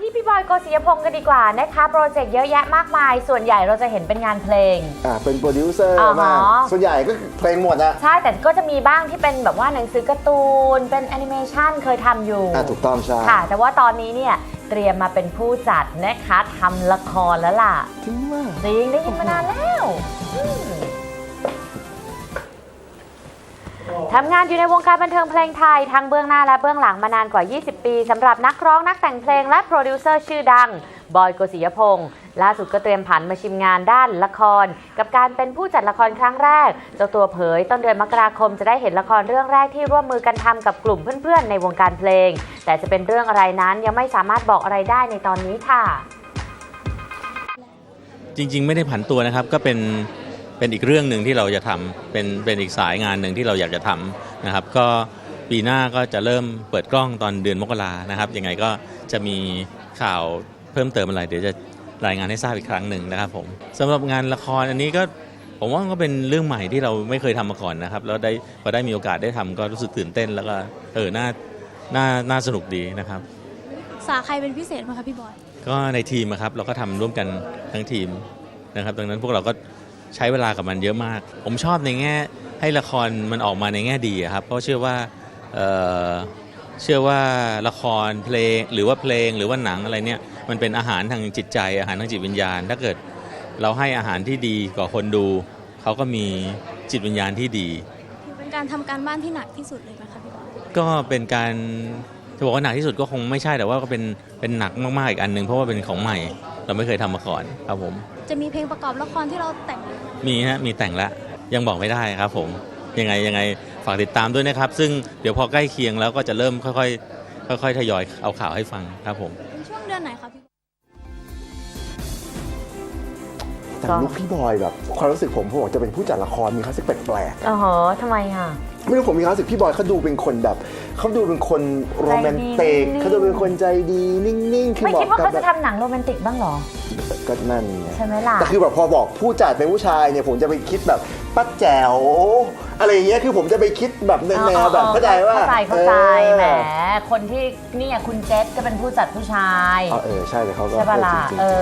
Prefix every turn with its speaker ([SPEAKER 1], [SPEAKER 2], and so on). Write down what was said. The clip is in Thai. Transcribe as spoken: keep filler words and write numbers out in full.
[SPEAKER 1] ที่พี่บอยโกศิยพงศ์กันดีกว่านะคะโปรเจกต์เยอะแยะมากมายส่วนใหญ่เราจะเห็นเป็นงานเพลง
[SPEAKER 2] อ่าเป็นโปรดิวเซอร์
[SPEAKER 1] อ๋อ
[SPEAKER 2] มากส่วนใหญ่ก็เพลงหมดอะ
[SPEAKER 1] ใช่แต่ก็จะมีบ้างที่เป็นแบบว่าหนังสือการ์ตูนเป็นแอนิเมชันเคยทำอยู่
[SPEAKER 2] อ่าถูกต้องใช่
[SPEAKER 1] ค่ะแต่ว่าตอนนี้เนี่ยเตรียมมาเป็นผู้จัดนะคะทำละครแล้วล่ะ
[SPEAKER 2] จริงมาก
[SPEAKER 1] จริงได้ยินมานานแล้วทำงานอยู่ในวงการบันเทิงเพลงไทยทั้งเบื้องหน้าและเบื้องหลังมานานกว่า ยี่สิบ ปีสำหรับนักร้องนักแต่งเพลงและโปรดิวเซอร์ชื่อดังบอยโกศิยพงศ์ล่าสุดก็เตรียมผันมาชิมงานด้านละครกับการเป็นผู้จัดละครครั้งแรกเจ้าตัวเผยต้นเดือนมกราคมจะได้เห็นละครเรื่องแรกที่ร่วมมือกันทำกับกลุ่มเพื่อนๆในวงการเพลงแต่จะเป็นเรื่องอะไรนั้นยังไม่สามารถบอกอะไรได้ในตอนนี้ค่ะ
[SPEAKER 3] จริงๆไม่ได้ผันตัวนะครับก็เป็นเป็นอีกเรื่องหนึ่งที่เราจะทำเป็นเป็นอีกสายงานหนึ่งที่เราอยากจะทำนะครับก็ปีหน้าก็จะเริ่มเปิดกล้องตอนเดือนมกรานะครับยังไงก็จะมีข่าวเพิ่มเติมอะไรเดี๋ยวจะรายงานให้ทราบอีกครั้งหนึ่งนะครับผมสำหรับงานละครอันนี้ก็ผมว่าก็เป็นเรื่องใหม่ที่เราไม่เคยทำมาก่อนนะครับแล้วได้พอได้มีโอกาสได้ทำก็รู้สึกตื่นเต้นแล้วก็เออน่าน่าน่าสนุกดีนะครับ
[SPEAKER 4] ปรึกษาใครเป็นพิเศษไหมคะพี่บอย
[SPEAKER 3] ก็ในทีมครับเราก็ทำร่วมกันทั้งทีมนะครับดังนั้นพวกเราก็ใช้เวลากับมันเยอะมากผมชอบในแง่ให้ละครมันออกมาในแง่ดีครับเพราะเชื่อว่าเอ่อเชื่อว่าละครเพลงหรือว่าเพลงหรือว่าหนังอะไรเนี่ยมันเป็นอาหารทางจิตใจอาหารทางจิตวิญญาณถ้าเกิดเราให้อาหารที่ดีกับคนดูเขาก็มีจิตวิญญาณที่ดี
[SPEAKER 4] เป็นการทำการบ้านที่หนักที่สุดเลยไหมคะพี่บอย
[SPEAKER 3] ก็เป็นการจะบอกว่าหนักที่สุดก็คงไม่ใช่แต่ว่าก็เป็นเป็นหนักมากๆอีกอันหนึ่งเพราะว่าเป็นของใหม่เราไม่เคยทำมาก่อนครับผม
[SPEAKER 4] จะมีเพลงประกอบละครที่เราแต่ง
[SPEAKER 3] มีฮะมีแต่งแล้วยังบอกไม่ได้ครับผมยังไงยังไงฝากติดตามด้วยนะครับซึ่งเดี๋ยวพอใกล้เคียงแล้วก็จะเริ่มค่อยๆค่อยๆทยอยเอาข่าวให้ฟังครับผม
[SPEAKER 4] เป็นช่วงเดือนไหนคะพี่
[SPEAKER 2] แต่ลุคพี่บอยแบบความรู้สึกผมผมบอกจะเป็นผู้จัดละครมีคลาสสิกแปลกๆ
[SPEAKER 1] อ๋อทำไมอ่ะ
[SPEAKER 2] ไม่รู้ผมมีความรู้สึกพี่บอยเขาดูเป็นคนแบบเขาดูเป็นคนโรแมนติกเขาดูเป็นคนใจดีนิ่งๆคือ
[SPEAKER 1] ไม่คิดว่าเขาจะทำหนังโรแมนติกบ้างหรอ
[SPEAKER 2] ก็นั่นไง
[SPEAKER 1] ใช่ไหมล่ะ
[SPEAKER 2] แต่คือแบบพอบอกผู้จัดเป็นผู้ชายเนี่ยผมจะไปคิดแบบป้าแจ๋วอะไรอย่างเงี้ยคือผมจะไปคิดแบบแนวแบบเข้าใจว่า
[SPEAKER 1] เข้าใจเข้าใจแหมคนที่นี่คุณเจษก็เป็นผู้จัดผู้ชาย
[SPEAKER 2] เออใช่แต่เขาก็
[SPEAKER 1] ใช่ป่ะล่ะ